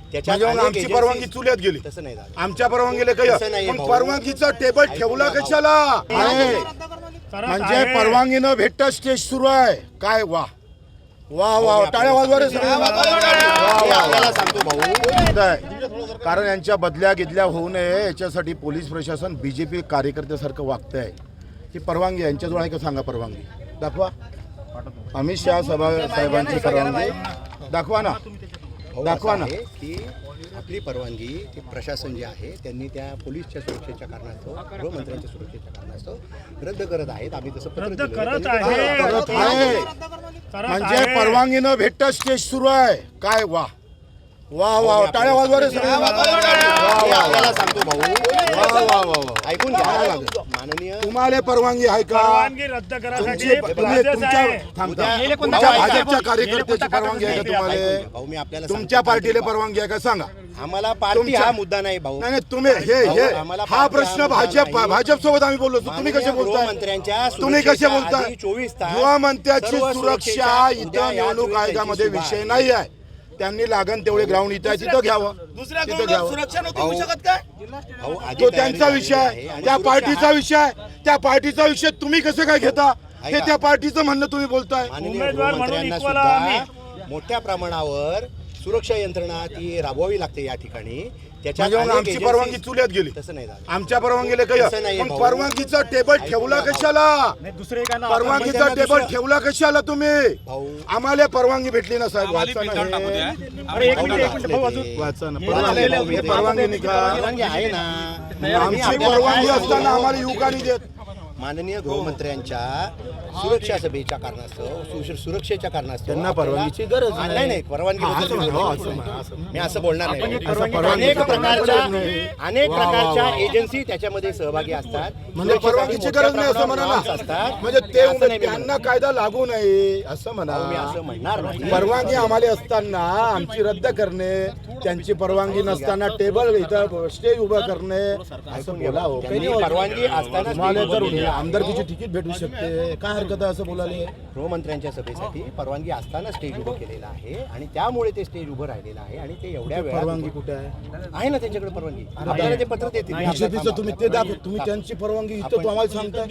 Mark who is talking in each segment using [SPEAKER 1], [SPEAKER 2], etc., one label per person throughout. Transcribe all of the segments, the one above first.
[SPEAKER 1] म्हणजे आमची परवानगी चुल्यात गेली,
[SPEAKER 2] तसं नाही झालं.
[SPEAKER 1] आमच्या परवानगीला काही मग परवानगीचा टेबल ठेवला कशाला? म्हणजे परवानगी न भेटता स्टेज सुरू आहे काय? वा वा वा, टाळ्या वाजवा रे सगळे.
[SPEAKER 2] आपल्याला सांगतो भाऊ,
[SPEAKER 1] कारण यांच्या बदल्या गिदल्या होऊ नये याच्यासाठी पोलीस प्रशासन बीजेपी कार्यकर्त्यासारखं वागतंय. ही परवानगी यांच्याजवळ आहे का सांगा? परवानगी दाखवा. अमित शहा साहेबांची परवानगी दाखवा ना, दाखवा ना.
[SPEAKER 2] की आपली परवानगी ती प्रशासन जे आहे त्यांनी त्या पोलीसच्या सुरक्षेच्या कारणास्तव, गृहमंत्र्यांच्या सुरक्षेच्या कारणास्तव रद्द करत आहेत. आम्ही तसं पत्र दिलं.
[SPEAKER 1] करत आहे. म्हणजे परवानगी न भेटता स्टेज सुरू आहे काय? वा वा वा, टाळ्या वाजवा रे सगळे.
[SPEAKER 2] आपल्याला सांगतो भाऊ,
[SPEAKER 1] वा वा वा,
[SPEAKER 2] ऐकून घ्या. माननीय,
[SPEAKER 1] तुम्हाला परवानगी आहे का?
[SPEAKER 3] रद्द
[SPEAKER 1] तुमच्या भाजपच्या कार्यकर्त्याची परवानगी आहे का तुम्हाला?
[SPEAKER 2] भाऊ मी आपल्याला
[SPEAKER 1] तुमच्या पार्टीला परवानगी आहे का सांगा?
[SPEAKER 2] आम्हाला पार्टी हा मुद्दा नाही भाऊ.
[SPEAKER 1] नाही तुम्ही हे हा प्रश्न भाजप सोबत आम्ही बोललो. तुम्ही कसे बोलताय?
[SPEAKER 2] गृहमंत्र्यांच्या
[SPEAKER 1] तुम्ही कसे बोलताय?
[SPEAKER 2] 24 तास
[SPEAKER 1] गृहमंत्र्याची सुरक्षा इथं निवडणूक आयोगामध्ये विषय नाही आहे. त्यांनी लागण तेवढे ग्राउंड इथं आहे तिथं घ्यावं, तिथं घ्यावं. तो त्यांचा विषय आहे, त्या पार्टीचा विषय आहे. त्या पार्टीचा विषय तुम्ही कसं काय घेता? हे त्या पार्टीचं म्हणणं तुम्ही बोलताय.
[SPEAKER 2] गृहमंत्र्यांना सुद्धा मोठ्या प्रमाणावर सुरक्षा यंत्रणा ती राबवावी लागते या ठिकाणी.
[SPEAKER 1] म्हणजे आमची परवानगी चुल्यात गेली,
[SPEAKER 2] तसं नाही झालं.
[SPEAKER 1] आमच्या परवानगीला काही मग परवानगीचा टेबल ठेवला कशाला? परवानगीचा टेबल ठेवला कशाला तुम्ही? आम्हाला परवानगी भेटली ना साहेब, वाचा ना, परवानगी
[SPEAKER 2] परवानगी आहे ना.
[SPEAKER 1] आमची परवानगी असताना आम्हाला युवकांनी देत.
[SPEAKER 2] माननीय गृहमंत्र्यांच्या सुरक्षा सभेच्या कारणास्तव, सुरक्षेच्या कारणास्तव
[SPEAKER 1] त्यांना परवानगीची गरज
[SPEAKER 2] नाही. परवानगी मी असं बोलणार नाही. अनेक प्रकारच्या एजन्सी त्याच्यामध्ये सहभागी असतात.
[SPEAKER 1] म्हणजे परवानगीची गरज नाही असं म्हणा ना.
[SPEAKER 2] असतात
[SPEAKER 1] म्हणजे ते त्यांना कायदा लागू नये असं म्हणा.
[SPEAKER 2] मी असं म्हणणार नाही.
[SPEAKER 1] परवानगी आम्हाला असताना आमची रद्द करणे, त्यांची परवानगी नसताना टेबल इथं स्टेज उभं करणे असं बोला.
[SPEAKER 2] परवानगी असताना
[SPEAKER 1] आमदारकीची तिकीट भेटू शकते, काय हरकत आहे असं बोलायला?
[SPEAKER 2] गृहमंत्र्यांच्या सभेसाठी परवानगी असताना स्टेज उभं केलेलं आहे आणि त्यामुळे ते स्टेज उभं राहिलेलं आहे. आणि ते एवढ्या वेळात
[SPEAKER 1] परवानगी कुठे आहे
[SPEAKER 2] ना त्यांच्याकडे परवानगी? आपल्याला ते पत्र देतील.
[SPEAKER 1] बीजेपीचं तुम्ही ते दाखव, तुम्ही त्यांची परवानगी इथं तो आम्हाला सांगताय.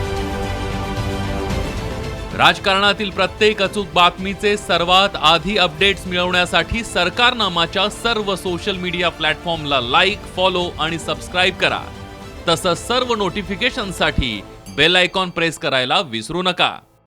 [SPEAKER 4] राजकारणातील प्रत्येक अचूक बातमीचे सर्वात आधी अपडेट्स मिळवण्यासाठी सरकारनामाच्या सर्व सोशल मीडिया प्लॅटफॉर्मला लाईक, फॉलो आणि सबस्क्राईब करा. तसंच सर्व नोटिफिकेशनसाठी बेल आयकॉन प्रेस करायला विसरू नका.